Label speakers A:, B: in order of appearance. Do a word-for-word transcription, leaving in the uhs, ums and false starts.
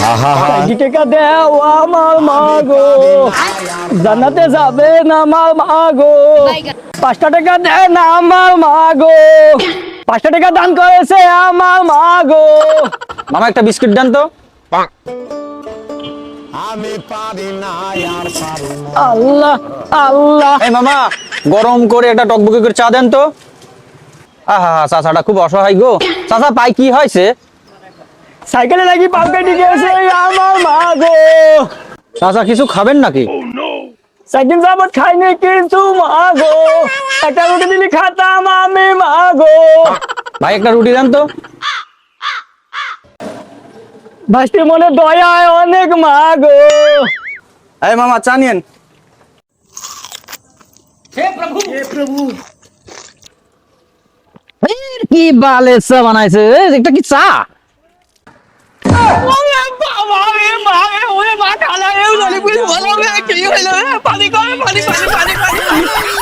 A: টাকা দেও আমার মা গো, জান্নাতে যাবে না আমার মা গো। পাঁচটা টাকা দেয় না আমার মা গো, পাঁচটা টাকা দান করেছে আমার মা গো।
B: মামা একটা বিস্কিট দেন তো।
A: আল্লাহ আল্লাহ।
B: এই মামা, গরম করে একটা টকবকে করে চা দেন তো। আহা চাচাটা খুব অসহায় গো। চাচা পাই কি হয়েছে?
A: সাইকেলে নাকি পাও কেটে গেছে আমার মা গো।
B: চাচা কিছু খাবেন নাকি?
A: সাইকেল যাবত খাইনি কিন্তু মা গো, একটা রুটি দিলি খাতাম আমি মা গো।
B: ভাই একটা রুটি দেন তো।
A: ভাস্তির মনে দয়ায় অনেক মা গো।
B: এই মামা চা নিয়েন। কি বালে চা বানাইছে, একটা কি চা?
A: ওরে বাবা রে মা রে, ওরে মা খালা রে, ওরে বলে কি হইলো, পানি কর, পানি পানি পানি পানি।